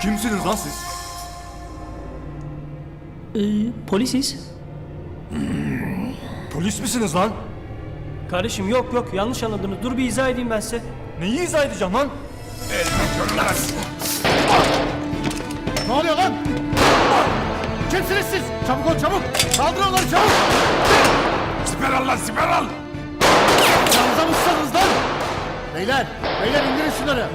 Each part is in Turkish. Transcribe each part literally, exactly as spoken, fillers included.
Kimsiniz lan siz? Ee, polisiz. Polis misiniz lan? Kardeşim yok yok yanlış anladınız. Dur bir izah edeyim ben size. Neyi izah edeceğim lan? Elini körmez. Ne oluyor lan? Kimsiniz siz? Çabuk ol çabuk! Kaldırın onları çabuk! Siper al lan siper al. Yanınıza mısınız lan? Beyler! Beyler indirin şunları!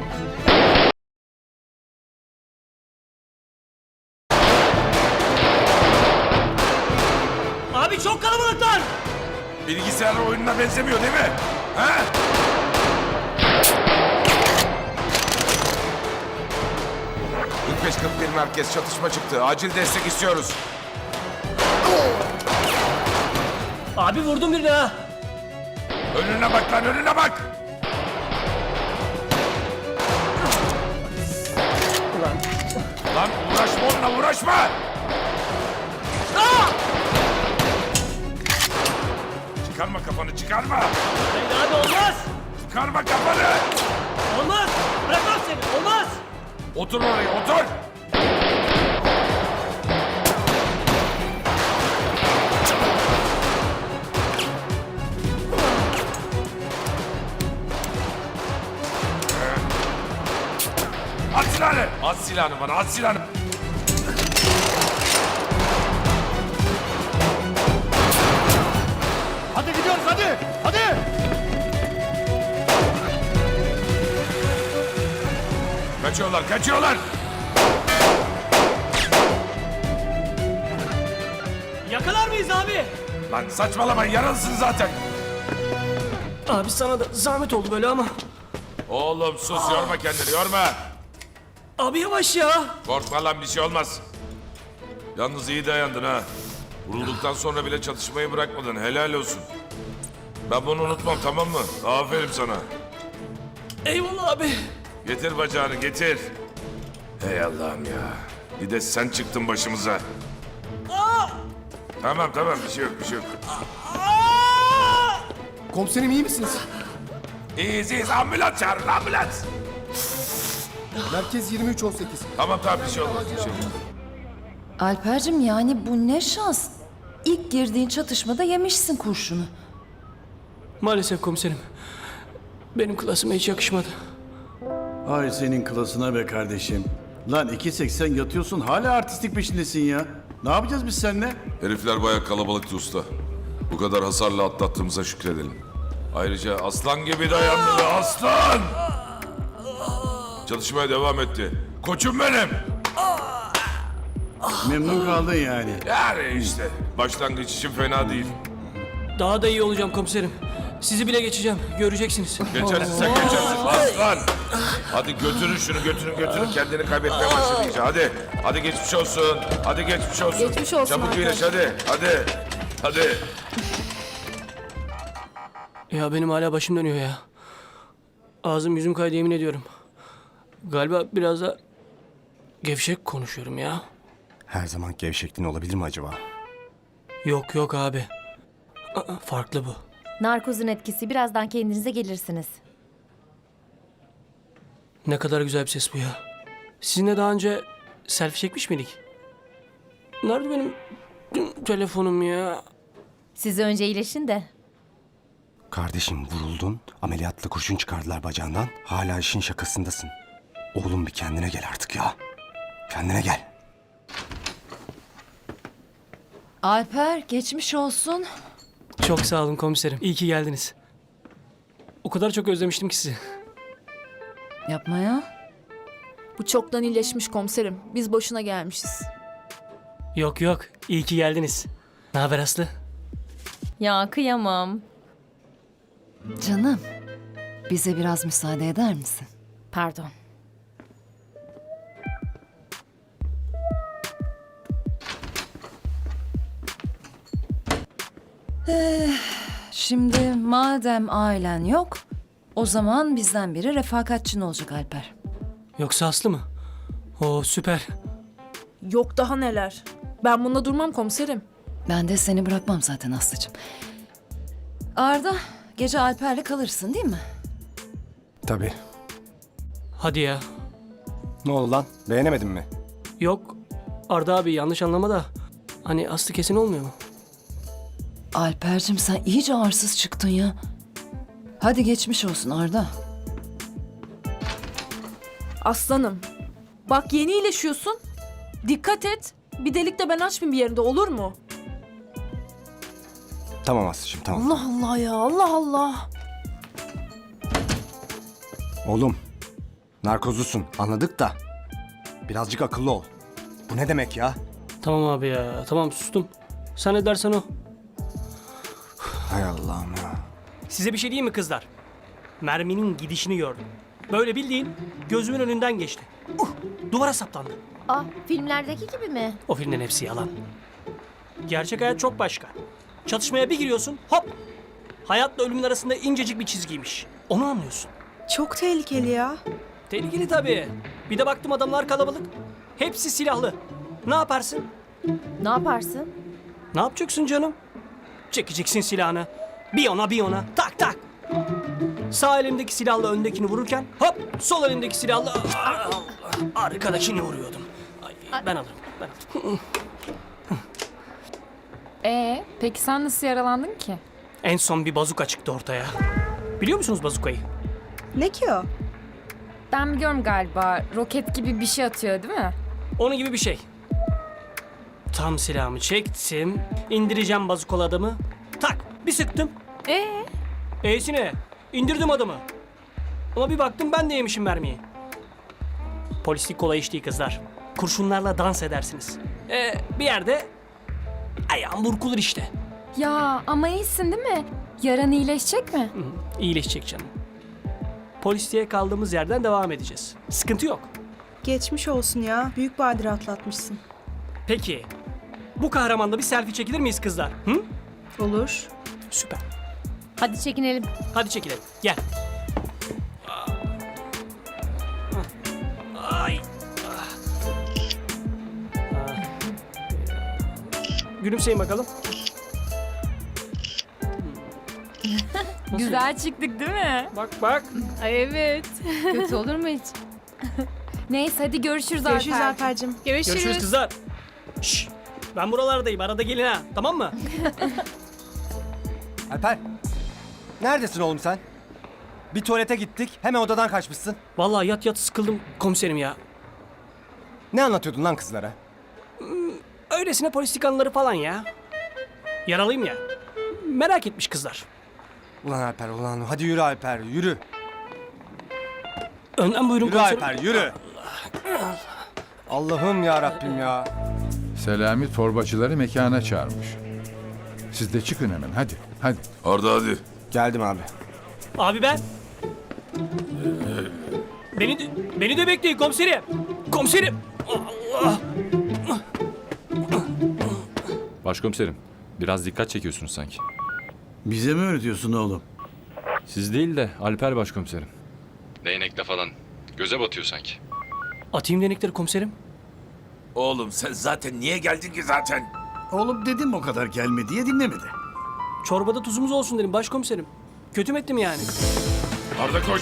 Abi çok kalabalıklar. Bilgisayar oyununa benzemiyor değil mi? He? kırk beş kırk bir merkez çatışma çıktı. Acil destek istiyoruz. Abi vurdum birini ha. Önüne bak lan önüne bak. Ulan. Lan uğraşma onunla uğraşma. Aa! Çıkarma kafanı çıkarma. Hayır abi olmaz. Çıkarma kafanı. Olmaz. Bırakmam seni. Olmaz. Otur oraya otur. At silahını. At silahını bana at silahını. Hadi gidiyoruz hadi! Hadi! Kaçıyorlar kaçıyorlar. Yakalar mıyız abi? Lan saçmalama yaralısın zaten. Abi sana da zahmet oldu böyle ama. Oğlum sus yorma kendini yorma. Abi yavaş ya. Korkma lan bir şey olmaz. Yalnız iyi dayandın ha. Vurulduktan sonra bile çatışmayı bırakmadın helal olsun. Ben bunu unutmam tamam mı? Aferin sana. Eyvallah abi. Getir bacağını getir. Hey Allah'ım ya. Bir de sen çıktın başımıza. Tamam tamam bir şey yok bir şey yok. Komiserim iyi misiniz? İyiyiz iyiyiz ambulans çağırın ambulans. Merkez yirmi üç on sekiz. Tamam tamam bir şey olmaz bir şey olmaz. Alper'cim yani bu ne şans. İlk girdiğin çatışmada yemişsin kurşunu. Maalesef komiserim. Benim klasıma hiç yakışmadı. Ay senin klasına be kardeşim. Lan iki seksen yatıyorsun hala artistik peşindesin ya. Ne yapacağız biz seninle? Herifler bayağı kalabalıktı usta. Bu kadar hasarla atlattığımıza şükredelim. Ayrıca aslan gibi dayandı be aslan. Çalışmaya devam etti. Koçum benim. Memnun kaldın yani. Yani işte başlangıç için fena değil. Daha da iyi olacağım komiserim. Sizi bile geçeceğim. Göreceksiniz. Geçersin sen geçersin aslan. Hadi götürün şunu götürün götürün. Kendini kaybetmeye başladı iyice hadi. Hadi geçmiş olsun. Hadi geçmiş olsun. Geçmiş olsun Çabuk Alper. iyileş hadi. Hadi. Hadi. Ya benim hala başım dönüyor ya. Ağzım yüzüm kaydı yemin ediyorum. Galiba biraz da gevşek konuşuyorum ya. Her zaman gevşekliğin olabilir mi acaba? Yok yok abi. Aa, farklı bu. Narkozun etkisi, birazdan kendinize gelirsiniz. Ne kadar güzel bir ses bu ya. Sizinle daha önce selfie çekmiş miydik? Nerede benim telefonum ya? Siz önce iyileşin de. Kardeşim vuruldun, ameliyatla kurşun çıkardılar bacağından. Hala işin şakasındasın. Oğlum bir kendine gel artık ya. Kendine gel. Alper geçmiş olsun. Çok sağ olun komiserim. İyi ki geldiniz. O kadar çok özlemiştim ki sizi. Yapma ya. Bu çoktan iyileşmiş komiserim. Biz boşuna gelmişiz. Yok yok. İyi ki geldiniz. Ne haber Aslı? Ya kıyamam. Canım bize biraz müsaade eder misin? Pardon. Şimdi madem ailen yok, o zaman bizden biri refakatçin olacak Alper. Yoksa Aslı mı? Oo süper. Yok daha neler. Ben bunda durmam komiserim. Ben de seni bırakmam zaten Aslı'cığım. Arda, gece Alper'le kalırsın değil mi? Tabii. Hadi ya. Ne oldu lan? Beğenemedin mi? Yok Arda abi yanlış anlama da hani aslı kesin olmuyor mu? Alper'cim sen iyice arsız çıktın ya. Hadi geçmiş olsun Arda. Aslanım. Bak yeni iyileşiyorsun. Dikkat et. Bir delik de ben açmayayım bir yerinde, olur mu? Tamam Aslı'cığım tamam. Allah Allah ya, Allah Allah. Oğlum, narkozlusun anladık da birazcık akıllı ol. Bu ne demek ya? Tamam abi ya tamam sustum. Sen ne dersen o. Hay Allah'ım ya. Size bir şey diyeyim mi kızlar? Merminin gidişini gördüm. Böyle bildiğin gözümün önünden geçti. Uh, duvara saplandı. Aa, filmlerdeki gibi mi? O filmlerin hepsi yalan. Gerçek hayat çok başka. Çatışmaya bir giriyorsun hop. Hayatla ölümün arasında incecik bir çizgiymiş. Onu anlıyorsun. Çok tehlikeli ya. Tehlikeli tabii. Bir de baktım adamlar kalabalık. Hepsi silahlı. Ne yaparsın? Ne yaparsın? Ne yapacaksın canım? Çekeceksin silahını. Bir ona bir ona. Tak tak. Sağ elimdeki silahla öndekini vururken hop sol elimdeki silahla arkadakini vuruyordum. Ay, ben alırım. Ben alırım. Ee, peki sen nasıl yaralandın ki? En son bir bazuka çıktı ortaya. Biliyor musunuz bazukayı? Ne ki o? Ben biliyorum galiba. Roket gibi bir şey atıyor değil mi? Onun gibi bir şey. Tam silahımı çektim. İndireceğim bazukolu adamı. Tak bir sıktım. Ee? E'sine indirdim adamı. Ama bir baktım ben de yemişim mermiyi. Polislik kolay iş değil kızlar. Kurşunlarla dans edersiniz. Ee, bir yerde ayağım burkulur işte. Ya ama iyisin değil mi? Yaran iyileşecek mi? Hı hı, İyileşecek canım. Polisliğe kaldığımız yerden devam edeceğiz. Sıkıntı yok. Geçmiş olsun ya. Büyük badire atlatmışsın. Peki bu kahramanla bir selfie çekilir miyiz kızlar? Hı? Olur. Süper. Hadi çekinelim. Hadi çekilelim. Gel. Ay. Gülümseyin bakalım. Nasıl? Güzel çıktık değil mi? Bak bak. Ay evet. Kötü olur mu hiç? Neyse hadi görüşürüz, Görüşürüz Alper. Alper'cim. Görüşürüz kızlar. Şşş. Ben buralardayım. Arada gelin ha. Tamam mı? Alper, neredesin oğlum sen? Bir tuvalete gittik, hemen odadan kaçmışsın. Vallahi yat yat sıkıldım komiserim ya. Ne anlatıyordun lan kızlara? Öylesine polislik anıları falan ya. Yaralıyım ya. Merak etmiş kızlar. Ulan Alper, ulan hadi yürü Alper, yürü. Önden buyurun Yürü komiserim. Alper, yürü. Allah'ım ya Rabbim ya. Selami torbacıları mekana çağırmış. Siz de çıkın hemen hadi. Hadi. Arda hadi. Geldim abi. Abi ben. Beni de, beni de bekleyin komiserim. Komiserim. Allah. Başkomiserim, biraz dikkat çekiyorsunuz sanki. Bize mi öğretiyorsun oğlum? Siz değil de Alper başkomiserim. Değnekle falan. Göze batıyor sanki. Atayım denekleri komiserim. Oğlum sen zaten niye geldin ki zaten? Oğlum dedim o kadar gelme diye dinlemedi. Çorbada tuzumuz olsun dedim başkomiserim. Kötü mü ettim yani? Arda koş.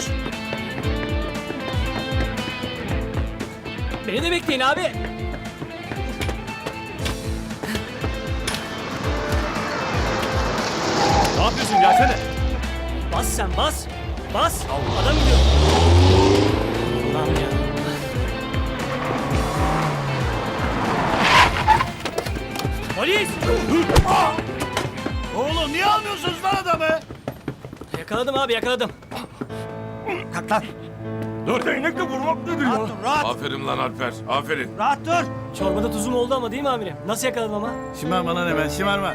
Beni de bekleyin abi. Ne yapıyorsun? Gelsene. Bas sen bas. Bas. Adam gidiyor. Allah'ım ya. Polis! Oğlum niye almıyorsunuz lan adamı? Yakaladım abi yakaladım. Kalk lan. Dur. Değnekle vurmak nedir ya? Aferin lan Alper. Aferin. Çorbada tuzum oldu ama değil mi amirim? Nasıl yakaladım ama? Şımarma lan hemen şımarma.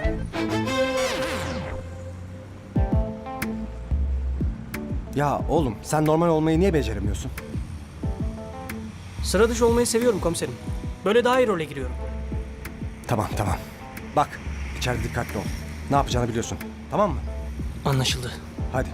Ya oğlum sen normal olmayı niye beceremiyorsun? Sıra dışı olmayı seviyorum komiserim. Böyle daha iyi role giriyorum. Tamam tamam. Bak içeride dikkatli ol. Ne yapacağını biliyorsun. Tamam mı? Anlaşıldı. Hadi.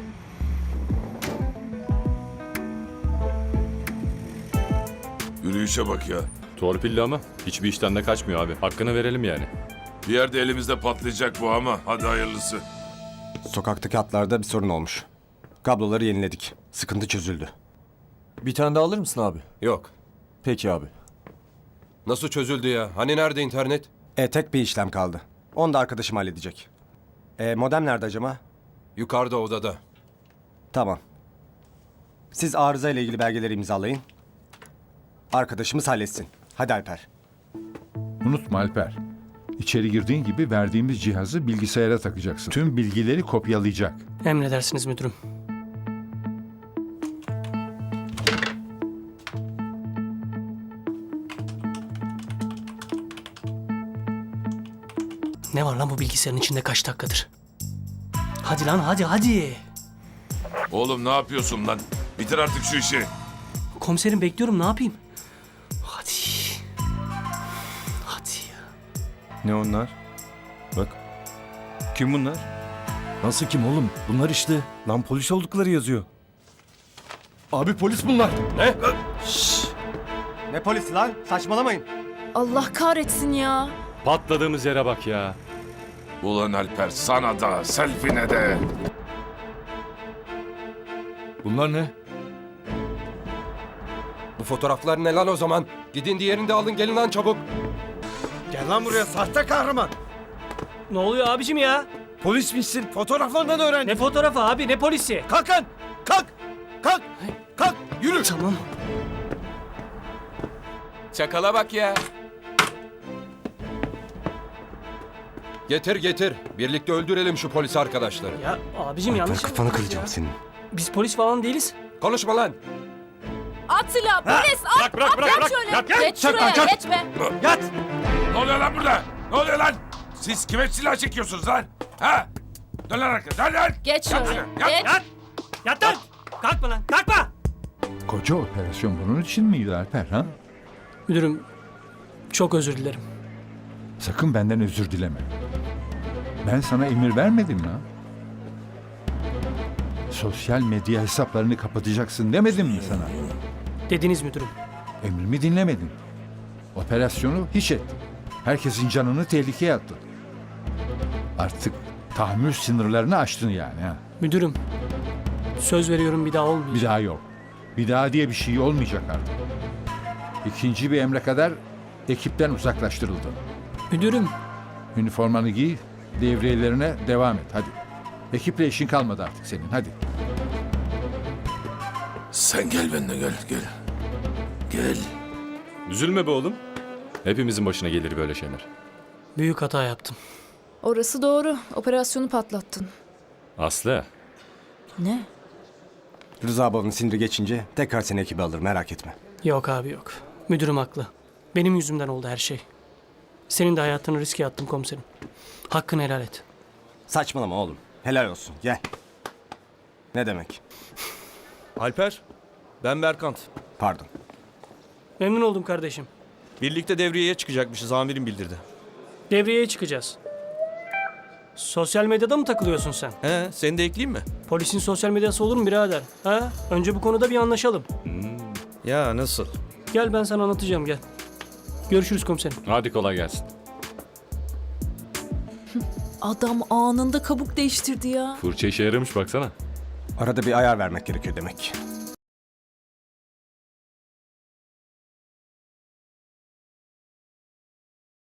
Yürüyüşe bak ya. Torpilli ama hiçbir işten de kaçmıyor abi. Hakkını verelim yani. Bir yerde elimizde patlayacak bu ama hadi hayırlısı. Sokaktaki hatlarda bir sorun olmuş. Kabloları yeniledik. Sıkıntı çözüldü. Bir tane daha alır mısın abi? Yok. Peki abi. Nasıl çözüldü ya? Hani nerede internet? E tek bir işlem kaldı. Onu da arkadaşım halledecek. E modem nerede acaba? Yukarıda odada. Tamam. Siz arıza ile ilgili belgeleri imzalayın. Arkadaşımız halletsin. Hadi Alper. Unutma Alper. İçeri girdiğin gibi verdiğimiz cihazı bilgisayara takacaksın. Tüm bilgileri kopyalayacak. Emredersiniz müdürüm. Ne var lan bu bilgisayarın içinde kaç dakikadır? Hadi lan hadi hadi. Oğlum ne yapıyorsun lan? Bitir artık şu işi. Komiserim bekliyorum ne yapayım? Hadi. Hadi ya. Ne onlar? Bak. Kim bunlar? Nasıl kim oğlum? Bunlar işte. Lan polis oldukları yazıyor. Abi polis bunlar. Ne? Ne polisi lan? Saçmalamayın. Allah kahretsin ya. Patladığımız yere bak ya. Ulan Alper sana da selfie'ne de. Bunlar ne? Bu fotoğraflar ne lan o zaman? Gidin diğerini de alın gelin lan çabuk. Gel lan buraya sahte kahraman. Ne oluyor abicim ya? Polismişsin. Fotoğraflarından öğrendim. Ne fotoğrafı abi ne polisi? Kalk lan. Kalk. Kalk. Kalk. Yürü. Tamam. Çakala bak ya. Getir getir. Birlikte öldürelim şu polis arkadaşları. Ya abicim Alper yanlış. kafanı kıracağım senin. Biz polis falan değiliz. Konuşma lan. At silahı polis at. Bırak bırak At bırak. şöyle. Yat, Geç şuraya geç be. Yat. Ne oluyor lan burada? Ne oluyor lan? Siz kime silah çekiyorsunuz lan? Ha? Dön lan arkaya. Dön lan. Geç Yat şöyle. şuraya, Yat. Geç. Yat. Yat lan. Kalkma lan kalkma. Koca operasyon bunun için miydi Alper ha? Müdürüm çok özür dilerim. Sakın benden özür dileme. Ben sana emir vermedim ya. Sosyal medya hesaplarını kapatacaksın demedim mi sana? Dediniz müdürüm. Emrimi dinlemedin. Operasyonu hiç ettin. Herkesin canını tehlikeye attın. Artık tahammül sınırlarını aştın yani ha. Müdürüm söz veriyorum bir daha olmayacak. Bir daha yok. Bir daha diye bir şey olmayacak artık. İkinci bir emre kadar ekipten uzaklaştırıldı. Müdürüm Üniformanı giy, devriyelerine devam et hadi. Ekiple işin kalmadı artık senin hadi. Sen gel benimle gel gel. Gel. Üzülme be oğlum. Hepimizin başına gelir böyle şeyler. büyük hata yaptım. Orası doğru. Operasyonu patlattın. Aslı. Ne? Rıza babanın siniri geçince tekrar seni ekibe alır merak etme. Yok abi yok. Müdürüm haklı. Benim yüzümden oldu her şey. Senin de hayatını riske attım komiserim. Hakkını helal et. Saçmalama oğlum. Helal olsun gel. Ne demek? Alper. Ben Berkant. Pardon. Memnun oldum kardeşim. Birlikte devriyeye çıkacakmışız amirim bildirdi. Devriyeye çıkacağız. Sosyal medyada mı takılıyorsun sen? He, seni de ekleyeyim mi? Polisin sosyal medyası olur mu birader? Ha? Önce bu konuda bir anlaşalım. Ya nasıl? Gel ben sana anlatacağım gel. Görüşürüz komiserim. Hadi kolay gelsin. Adam anında kabuk değiştirdi ya. Fırça işe yaramış baksana. Arada bir ayar vermek gerekiyor demek.